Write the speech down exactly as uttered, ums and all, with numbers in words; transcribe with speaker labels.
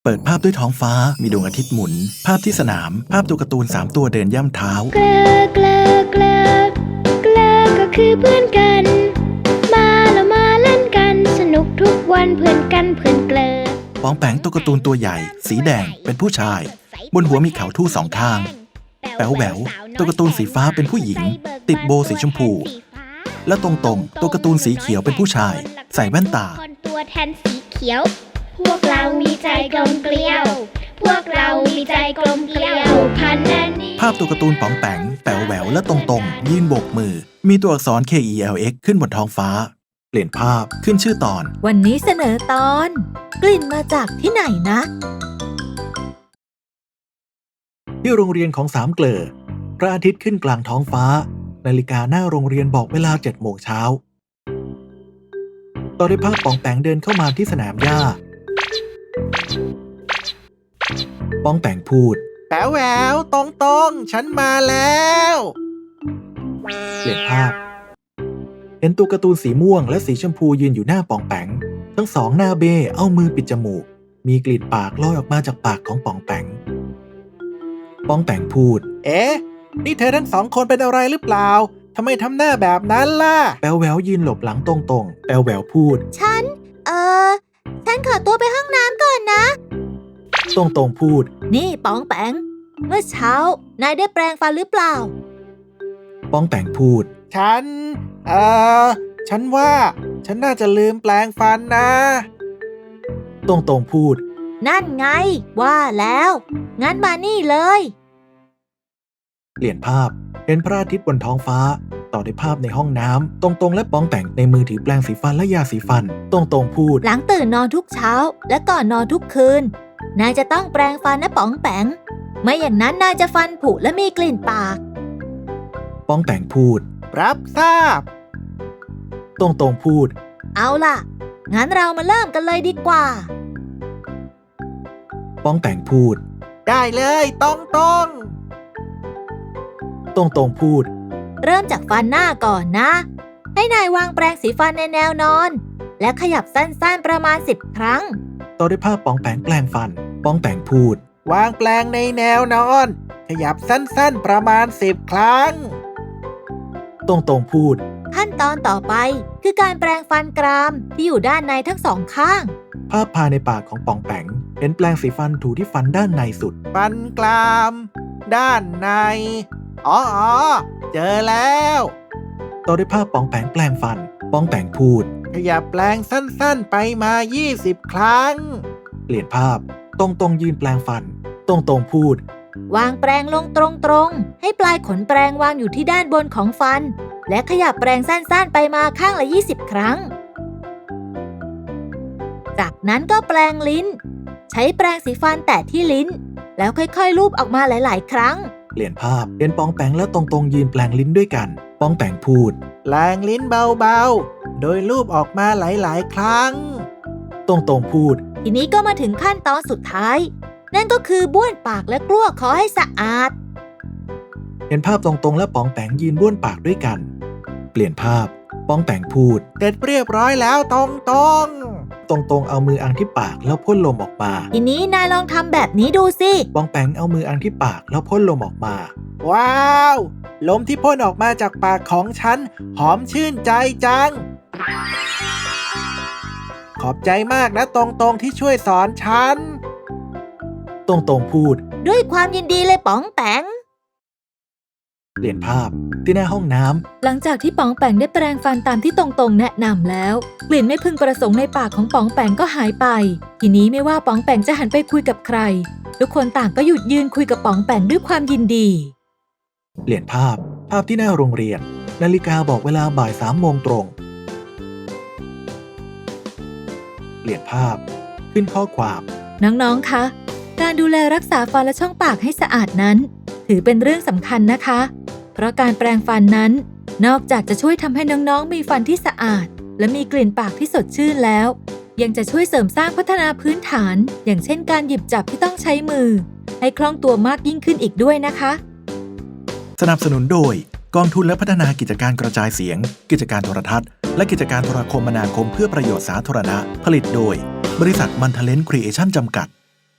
Speaker 1: เปิดภาพด้วยท้องฟ้ามีดวงอาทิตย์หมุนภาพที่สนามภาพตัวการ์ตูนสามตัวเดินย่ำเท้า
Speaker 2: เกลอเกลอเกลอเกลอก็คือเพื่อนกันมาแล้วมาเล่นกันสนุกทุกวันเพื่อนกันเพื่อนเกลอ
Speaker 1: ปองแปงตัวการ์ตูนตัวใหญ่สีแดงเป็นผู้ชายบนหัวมีเขาทู่สองข้างแป๋วแหววตัวการ์ตูนสีฟ้าเป็นผู้หญิงติดโบว์สีชมพูและตรงตรงตัวการ์ตูนสีเขียวเป็นผู้ชายใส่แว่นตา
Speaker 2: คนตัวแทนสีเขียวพวกเรามีใจกลมเกลียวพวกเรามีใจกลมเกลียวพันนันนี้
Speaker 1: ภาพตัวการ์ตูนป๋องแปงแป๋วแหววและตรงตรงยืนโบกมือมีตัวอักษร เค อี แอล เอ็กซ์ ขึ้นบนท้องฟ้าเปลี่ยนภาพขึ้นชื่อตอน
Speaker 3: วันนี้เสนอตอนกลิ่นมาจากที่ไหนนะ
Speaker 1: ที่โรงเรียนของสามเกลอพระอาทิตย์ขึ้นกลางท้องฟ้านาฬิกาหน้าโรงเรียนบอกเวลาเจ็ดโมงเช้าตอนได้ภาพป๋องแปงเดินเข้ามาที่สนามหญ้าป๋องแปงพูด
Speaker 4: แป๋วแหววตรงตรงฉันมาแล้ว
Speaker 1: เปลี่ยนภาพเห็นตัวการ์ตูนสีม่วงและสีชมพูยืนอยู่หน้าป๋องแปงทั้งสองหน้าเบ้เอามือปิดจมูกมีกลิ่นปากลอยออกมาจากปากของป๋องแปงป๋องแปงพูด
Speaker 4: เอ๊ะนี่เธอทั้งสองคนเป็นอะไรหรือเปล่าทำไมทำหน้าแบบนั้นล่ะ
Speaker 1: แป๋วแหววยืนหลบหลังตรงๆแป๋วแหววพูด
Speaker 3: ฉันเออฉันขอตัวไปห้องน้ำก่อนนะ
Speaker 1: ตรงๆพูด
Speaker 3: นี่ป๋องแปงเมื่อเช้านายได้แปรงฟันหรือเปล่า
Speaker 1: ป๋องแปงพูด
Speaker 4: ฉันเออฉันว่าฉันน่าจะลืมแปรงฟันนะ
Speaker 1: ตรงๆพูด
Speaker 3: นั่นไงว่าแล้วงั้นมานี่เลย
Speaker 1: เปลี่ยนภาพเห็นพระอาทิตย์บนท้องฟ้าต่อด้วยภาพในห้องน้ำตรงๆและป๋องแปงในมือถือแปรงสีฟันและยาสีฟันตรงๆพูด
Speaker 3: หลังตื่นนอนทุกเช้าและก่อนนอนทุกคืนนายจะต้องแปรงฟันนะป๋องแปงไม่อย่างนั้นนายจะฟันผุและมีกลิ่นปาก
Speaker 1: ป๋องแปงพูด
Speaker 4: รับทราบ
Speaker 1: ตรงๆพูด
Speaker 3: เอาล่ะงั้นเรามาเริ่มกันเลยดีกว่า
Speaker 1: ป๋องแปงพูด
Speaker 4: ได้เลยตรงตรง
Speaker 1: ตรงๆพูด
Speaker 3: เริ่มจากฟันหน้าก่อนนะให้นายวางแปรงสีฟันในแนวนอนและขยับสั้นๆประมาณสิบครั้ง
Speaker 1: ต่อด้วยภาพป๋องแปงแปรงฟันป๋องแปงพูด
Speaker 4: วางแปรงในแนวนอนขยับสั้นๆประมาณสิบครั้ง
Speaker 1: ตรงๆพูด
Speaker 3: ขั้นตอนต่อไปคือการแปรงฟันกรามที่อยู่ด้านในทั้งสองข้าง
Speaker 1: ภาพภายในปากของป๋องแปงเห็นแปรงสีฟันถูที่ฟันด้านในสุด
Speaker 4: ฟันกรามด้านในอ๋อเจอแล้ว
Speaker 1: ต่อด้วยภาพป๋องแปงแปรงฟันป๋องแปงพูด
Speaker 4: ขยับแปรงสั้นๆไปมายี่สิบครั้ง
Speaker 1: เปลี่ยนภาพตรงๆยืนแปรงฟันตรงๆพูด
Speaker 3: วางแปรงลงตรงๆให้ปลายขนแปรงวางอยู่ที่ด้านบนของฟันและขยับแปรงสั้นๆไปมาข้างละยี่สิบครั้งจากนั้นก็แปรงลิ้นใช้แปรงสีฟันแตะที่ลิ้นแล้วค่อยๆลูบออกมาหลายๆครั้ง
Speaker 1: เปลี่ยนภาพเป็นป๋องแปงและตรงๆยืนแปรงลิ้นด้วยกันป๋องแปงพูด
Speaker 4: แปรงลิ้นเบาๆโดยลูบออกมาหลายๆครั้ง
Speaker 1: ตรงๆพูด
Speaker 3: ทีนี้ก็มาถึงขั้นตอนสุดท้ายนั่นก็คือบ้วนปากและกลั้วคอให้สะอาด
Speaker 1: เห็นภาพตรงๆและป๋องแปงยืนบ้วนปากด้วยกันเปลี่ยนภาพป๋องแปงพูด
Speaker 4: เสร็จเรียบร้อยแล้วตรงตรง
Speaker 1: ตรงตรงเอามืออังที่ปากแล้วพ่นลมออกมา
Speaker 3: ทีนี้นายลองทำแบบนี้ดูสิ
Speaker 1: ป๋องแปงเอามืออังที่ปากแล้วพ่นลมออกมา
Speaker 4: ว้าวลมที่พ่นออกมาจากปากของฉันหอมชื่นใจจังขอบใจมากนะตรงตรงที่ช่วยสอนฉัน
Speaker 1: ตรงตรงพูด
Speaker 3: ด้วยความยินดีเลยป๋องแปง
Speaker 1: เปลี่ยนภาพที่หน้าห้องน้ำ
Speaker 3: หลังจากที่ป๋องแปงได้แปรงฟันตามที่ตรงๆแนะนำแล้วกลิ่นไม่พึงประสงค์ในปากของป๋องแปงก็หายไปทีนี้ไม่ว่าป๋องแปงจะหันไปคุยกับใครทุกคนต่างก็หยุดยืนคุยกับป๋องแปงด้วยความยินดี
Speaker 1: เปลี่ยนภาพภาพที่หน้าโรงเรียนนาฬิกาบอกเวลาบ่ายสามโมงตรงเปลี่ยนภาพขึ้นข้อความ
Speaker 3: น้องๆคะการดูแลรักษาฟันและช่องปากให้สะอาดนั้นถือเป็นเรื่องสำคัญนะคะเพราะการแปรงฟันนั้นนอกจากจะช่วยทำให้น้องๆมีฟันที่สะอาดและมีกลิ่นปากที่สดชื่นแล้วยังจะช่วยเสริมสร้างพัฒนาพื้นฐานอย่างเช่นการหยิบจับที่ต้องใช้มือให้คล่องตัวมากยิ่งขึ้นอีกด้วยนะคะ
Speaker 1: สนับสนุนโดยกองทุนและพัฒนากิจการกระจายเสียงกิจการโทรทัศน์และกิจการโทรคมนาคมเพื่อประโยชน์สาธารณะผลิตโดยบริษัทมันทะเลนครีเอชั่นจำกัด